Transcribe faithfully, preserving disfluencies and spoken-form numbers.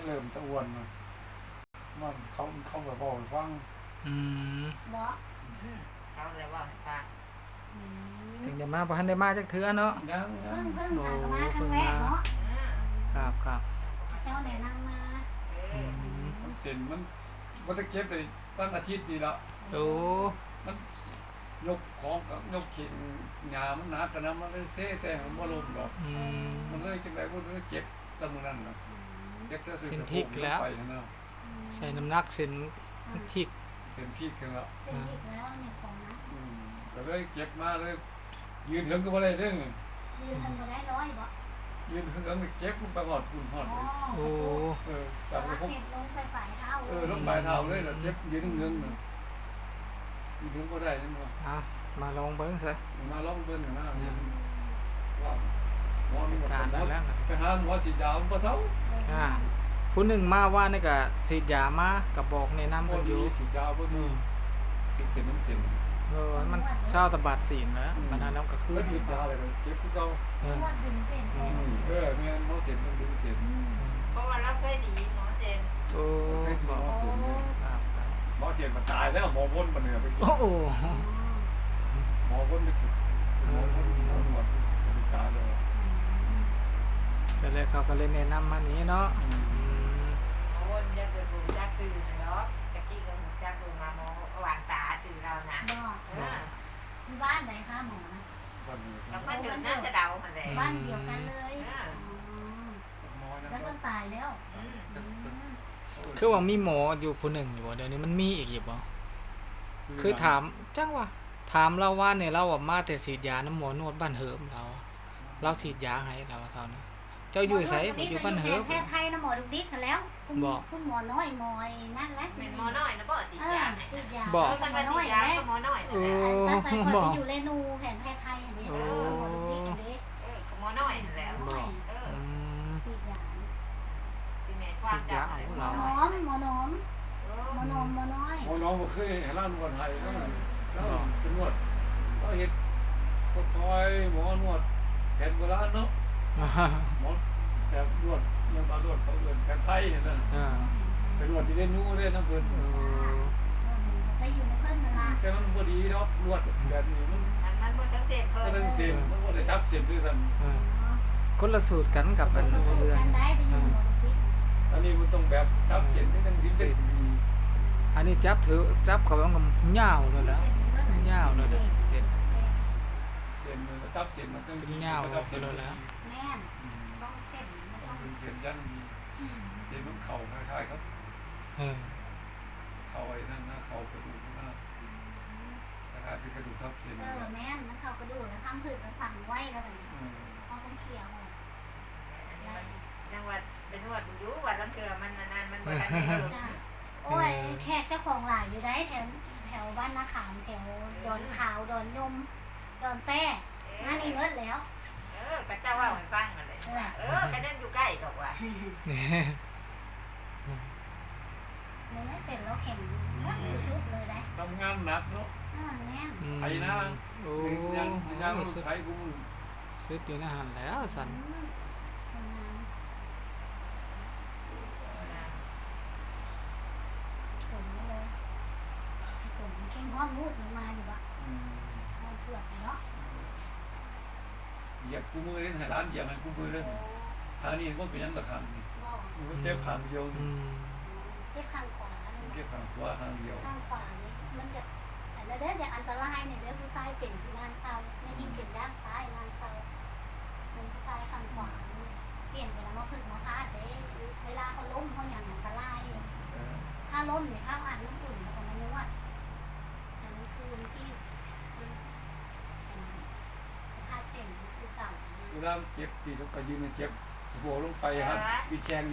เริ่มตะอ้วนมันมันเขาเขาแบบบอกให้ฟังอืมบ่อืมเขาเลยว่าให้ฟังอืมถึงได้มาบ่ทันได้มาจักเทื่อเนาะยังยัเพิ่งงเพิ่งทางมาครั้งแรกเนาะอืมครับครับเจ้าแนะนำมาเออือมมันเส้นมันมันจะเก็บเลยตั้งอาทิตย์นี่ละโอ้มันยกของกับยกเข่งหญ้ามันหนักกันนะมันเลยเซ่แต่มันบ่ลงดอกอืมมันเลยจังได๋บ่รู้เจ็บตะมื้อนั้นน่ะอืมเจ็บแต่เส้นพลิกแล้วไปนะใส่น้ำหนักเส้นพริกเส้นพลิกขึ้นแล้วเส้นอีกแล้วเนี่ยของนะอืมก็เลยเก็บมาเลย ยืนถึงก็บ่ได้เด้อยืนทำบ่ได้ร้อยบ่ยืนถึงก็เจ็บลงไปหอดปุ่นหอดอ๋อเลยโอ้เออสจับลัไปกพบเห็ดลงใส่ปลายเท้าเออลงปลายเท้าเลยแล้วเจ็บยืนเงินน่ะยืนถึงบ่ได้นั่นว่าเอามาลองเบิ่งซะมาลองเบิ่งกันนะว่าหมอนี่การหมนั้อนแล้วนะไปหาหมอฉีดยามันบ่เซาอ่าผู้หนึ่งมาว่านี่ก็ฉีดยามาก็บอกแนะนำบ่กันอดียู่ฉีดยาบ่อืดีมสิเส้นน้ำเส้นเออมันเช้าตะบาดศีลแล้วบัดนั้นแล้วก็คืเพิ่นนหยุดยาเลยเจ็บคือเก่าเออนวดดึงเส้นแทนเออแม่นหมอเส้นต้องดึงเส้นอืมเพราะว่าเราเคยดีหมอเซนโอ้บอกหมอเส้นเนี่ยครับครับหมอเส้นมันตายแล้วหมอวนมันเนี่ยไปกินโอ้โหอ๋อหมอวนไปกินหมอวนหมอหนวดไปตายแล้วก็เลยเขาก็เลยแนะนำมานี้เนาะอืมหมอวนจะเกิดบุญจักสื่อเนาะตะกี้ก็บุญจักดูมาหมอวางตาสื่อเรานะบ่เออที่บ้านไหนคะหมอนะวันนี้แล้วก็เดินน่าจะเดามันเลยบ้านเดียวกันเลยอ่าอ๋อหมอยังแล้วก็ตายแล้วอืมอืมคือว่ามีหมออยู่ผู้หนึ่งอยู่บ่เดี๋ยวนี้มันมีอีกอยู่บ่คือถามจังว่าถามเราว่าเนี่ยเราว่ามาแต่ฉีดยาน้ำหมอนวดบ้านเหิมเราอะเราฉีดยาให้เราเท่านั้นเจ้าอยู่ไสบ่อยู่บ้านเหิมแพทย์ไทยนะหมอดุกดิกกันแล้วบอกซุ่มหมอน้อยหมอยนั่นแหละเป็นหมอน้อยนะบ่จีเออยาให้สุดยาบอกเออหมันมอว่าน้อยจียาแหละก็หมอน้อยเอนั่นแหละอตั้งแต่ก่อนบอไปกอยู่เรนูแผนแพทย์ไทยอันนี้โอ้หมอดุกดิกอันนี้เออก็หมอน้อยนั่นแหละบอกเอออืมสุดยาสิแม่ความจำอะไรหหมมออน้น้ออยมหมอน้อมเออหมอน้อมหมอน้อยหมอน้องบ่เคยให้ร้านนวดให้แล้วแล้วเป็นนวดก็เฮ็ดค่อยๆหมอนวดแผนโบราณเนาะหมอแบบนวดยังมานวดเขาเอิ้นแผนไทยนั่นน่ะอ่าไปนวดที่เรนูเด้น้ำเพิ่นเออไปอยู่ในเพื่อนเวลาแต่มันบ่ดีเนาะนวดแบบนี้มันอันนั้นบ่ทั้งเจ็บเพิ่ก็นต้องเส้นมันบ่ได้จับเส้นด้วยซั่นอ่าคนละสูตรกันกับอันเขาสู้เรื่องกันได้ไปอยู่หมอดุกดิกอันนี้มันต้องแบบจับเส้นที่จังดีเส้นดีอันนี้จับถือจับเขาต้องยาวเลยแล้วยาวเลยเด้อเสร็จเส้นมันจับเส้นมันต้องเป็นยาวจับเส้นไปเลยแล้วแม่นต้องเส้นมันต้ต้ออง งเป็นเส้นยันดีเส้นมันเข่าคล้ายๆครับเออเข่าไอ้นั่นนะเข่ากระดูกข้างหน้าคล้ายๆเป็นกระดูกทับเส้นเออแม่นมันเข้ากระดูกแล้วทำผืดมันสั่งไว้แล้วแบบนี้อืมพอต้องเชียวจังหวัดเป็นนวดอยู่วัดลำเกลือมันนานๆมันบ่ทันได้เริ่มจ้ะโอ้ยแขกเจ้าของหลายอยู่ได้แถวแถวบ้านนาขามแถวดอนขาวดอนยมดอนแต้งานนี้เงินแล้วเออก็เจ้าว่าให้ฟังนั่นแหละเออก็นั่นอยู่ใกล้ดอกว่าเงินเสร็จแล้วแข่งเงินอยู่จุดเลยได้ทำงานหนักเนาะอ่าแม่นอืมไถนาโอ้ยังยังสุดใช้กูมือสุดอยู่ในหันแล้วสันอืมทำงานส่งมาเลยส่งเข้มห้องมูดลงมาอยู่บะอืมเอาเปลือกเนาะเหยียบกูมือเล่นให้ร้านเหยียบให้กูมือเล่นทางนี้มันเป็นยังตะขังนี่บอกมันเจ็บขางเดียวอืนี่มเจ็บข้างขวาเลยเจ็บขางขวาขางเดียวข้างขวานี่มันจะแต่เด้ออย่างอันตรายเนี่ยเด้อผู้ชายเป็นที่งานเศร้าไม่ยิ่งเป็นด้านซ้ายงานเศร้ามันผู้ชายข้างขวานี่เสี่ยงไปแล้วมาพึ่งมาพาดเด้เวลาเขาล้มเขาอย่างอันตรายเออถ้าล้มเนี่ยข้าวอัดน้ำอุ่นแล้วก็มานวดแต่นั่นคือที่เป็นสภาพเส้นคือเก่าเวลาเจ็บตีต้องไปยืนเจ็บสะโพกลงไปครับปีแขง